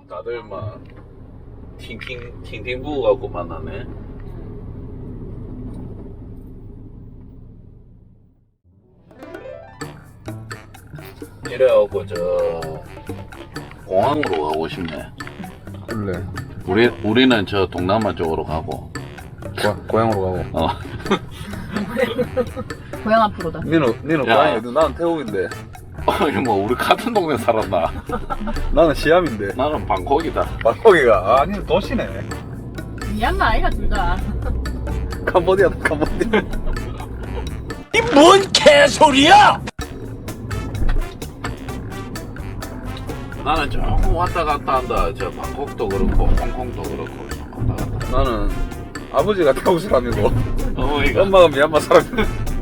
다들 막 팅팅 부고 갖고 만나네. 이래갖고 저 공항으로 가고 싶네. 그래. 우리는 저 동남아 쪽으로 가고. 고향으로 가고. 고향 앞으로다. 니는 야. 고향이 어디? 나는 태국인데. 이거 뭐 우리 같은 동네 살았나? 나는 시암인데. 나는 방콕이다. 방콕이가. 아, 니는 도시네. 미얀마 아이가 둘 다. 캄보디아다, 캄보디아. 이 뭔 개소리야! 나는 조금 왔다 갔다 한다. 저 방콕도 그렇고 홍콩도 그렇고 왔다 갔다. 나는 아버지가 태국 사람이고 어머니가 엄마가 미얀마 사람이고.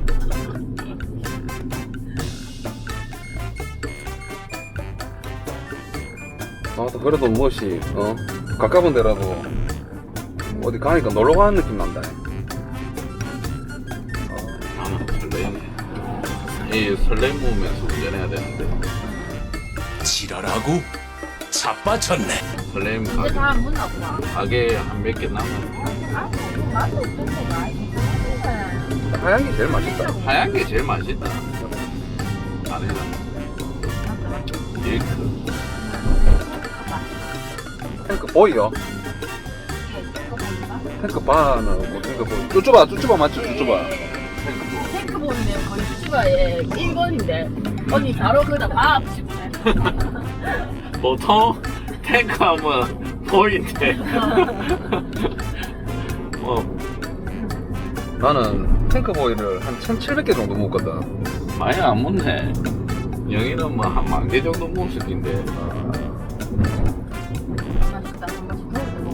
아, 또 그래도 무엇이 가까운 데라도 어디 가니까 놀러 가는 느낌 난다. 나는 설레이네. 이 설렘 보면서 운전해야 되는데 지랄하고 자빠졌네. 설렘 이제 다 안 붙나 보다. 가게 한 몇 개 남았네. 맛도 없던데 많이. 하얀 게 제일 맛있다. 하얀 게 제일 맛있다. 안에는 밀크. 탱크 보이요? 탱크 바는 탱크 보이. 쭈쭈바 맞죠? 쭈쭈바. 탱크보이는 거의 수치바의 1번인데 언니 바로 그다 막 싶네. 보통 탱크 하면 보인대. 뭐 나는 탱크 보이를 한 1,700개 정도 먹었거든. 많이 안 먹네. 영희는 뭐 한 10,000개 정도 먹을 텐데. 맛있다. 한 번씩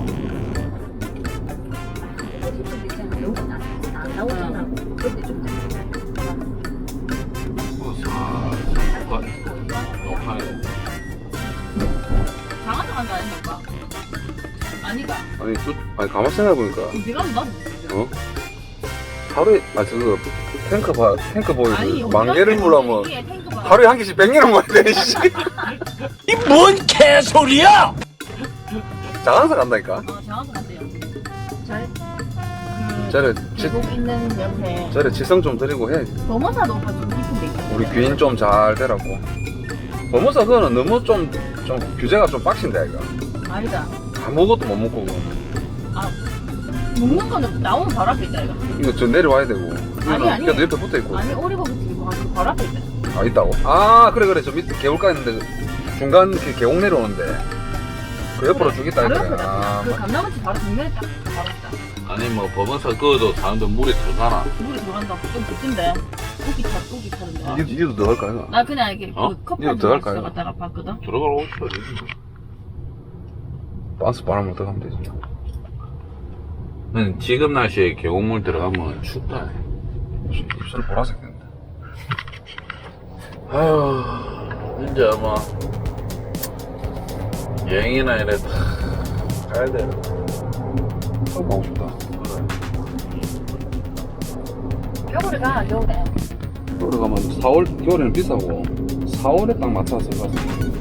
먹어보고. 나오잖아. 그때 좀 장하자 간다 아닌가? 아니가. 아니 가만 생각해보니까 네가 나도 모르겠어. 하루에 탱크 아니, 보이를 여기 10,000개를 물라면 여기에 탱크가 하루에 한 개씩 100개는 먹어야 되네. 씨. 이 뭔 개소리야! 장안사 간다니까. 장하자 간대요. 저래 계곡 있는 옆에 저래 지성 좀 드리고 해. 범어사 높아 좀 깊은 데 있거든. 우리 귀인 좀 잘 되라고. 범어사 그거는 너무 좀 규제가 좀 빡신데 이거. 아니다. 아무것도 못 먹고 먹는 거는 나오면 바로 앞에 있다 이거. 이거 저 내려와야 되고. 아니. 그래도 옆에 붙어 있고. 아니 오리고기 튀기고 그 바로 앞에 있다. 아 있다고? 아 그래 저 밑에 개울가 있는데 중간 그 계곡 내려오는데 그 옆으로 주겠다 바로 이거야. 옆에다. 아, 그 감나무치 바로 정면에 딱 바로 있다. 아니 뭐 법원서 그어도 사람들 물에 들어가나? 물이 들어간다. 좀 붙은데. 고기 타는데. 이도 더 할까 이거? 나 그냥 이렇게 어? 그 커피 이거 더 할까요? 들어갔다가 봤거든. 들어가라고 싶어야지. 반스 바람을 더 하면 되지. 지금 날씨에 계곡물 들어가면 춥다. 입술 보라색 된다. 아휴, 이제 뭐 여행이나 이래 다 가야 돼. 가고 싶다. 겨울에 가 겨울에. 겨울에 가면 4월 겨울에는 비싸고 4월에 딱 맞춰서 가서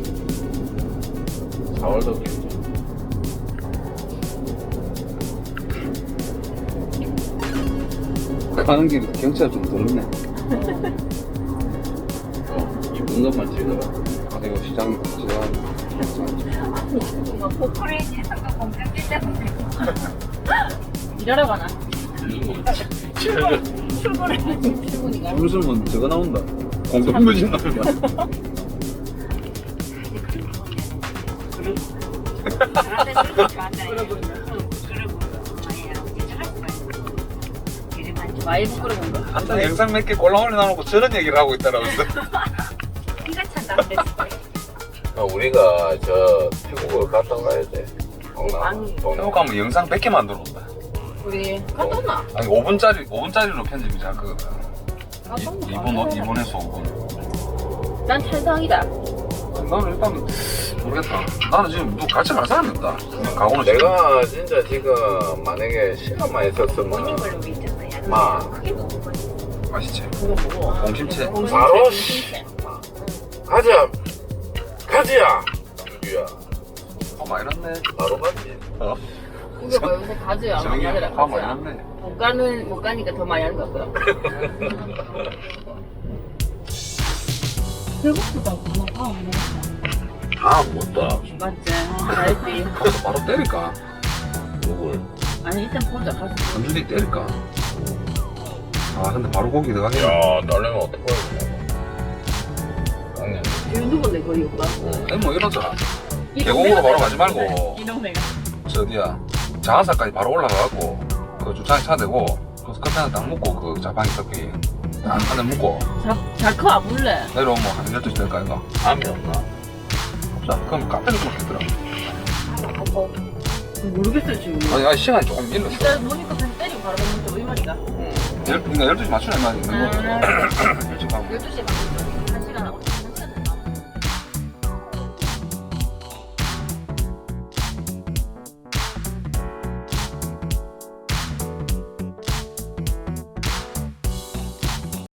4월도 괜찮아. 가는 길 경치가 좀 더럽네. 이쁜 것만 찍어라. 아 이거 시장 포크레인 지상과 공장기 때문에 일하러 가나? 출근이가 무슨 저거 나온다. 공동묘진 나온다. 많이 부끄러운 거. 한참 영상 몇 개 골라 올려놔놓고 저런 얘기를 하고 있더라고요. 피가 찬다. 우리가 저 태국을 갔다 가야 돼. 태국 가면 영상 100개 만들어온다. 우리 갔다 왔나? 아니 5분짜리로 편집이 잘 그거든. 갔다 왔나? 2분에서 5분. 난 찬성이다. 나는 일단 모르겠다. 나는 지금 누구 같이 갈 사람이 없다. 가고는 내가 진짜 지금 만약에 시간만 있었으면 막 맛있지. 그거 보고. 공심채. 바로 가자 가지야 유야 많이 났네. 바로 갔지. 어? 이거 봐 요새 가즈야. 정이 가즈라 화 많이 가즈야. 났네. 못 가니까 더 많이 하는 것 같더라. 배고프다. 밥 다안 먹다. 맞지? 잘했지. 가서 바로 때릴까? 누굴? 아니 일단 보자. 가서. 한준이 때릴까? 아 근데 바로 고기 들어가겠네. 야, 날려면 어떡해. 깡년. 지금 누군데 거기 오빠? 뭐 이러자. 계곡으로 바로 가지 말고. 이 동네가. 저 어디야 자한사까지 바로 올라가갖고 그 주차장 차 대고 거기서 커피 하나 딱 먹고 그 자판기 커피 딱 하나 먹고 자커 안 불래? 내려오면 한 12시 될까 이거? 암이 없나? 없자 그럼 카페를 좀 먹겠더라. 모르겠어요 지금. 아니 시간이 조금 밀렸어. 일단 모니까 그냥 때리고 바로 먹는 게 이 말이가. 그러니까 12시 맞추는 말이 있는 거고 아. 일찍 가면 12시에 가면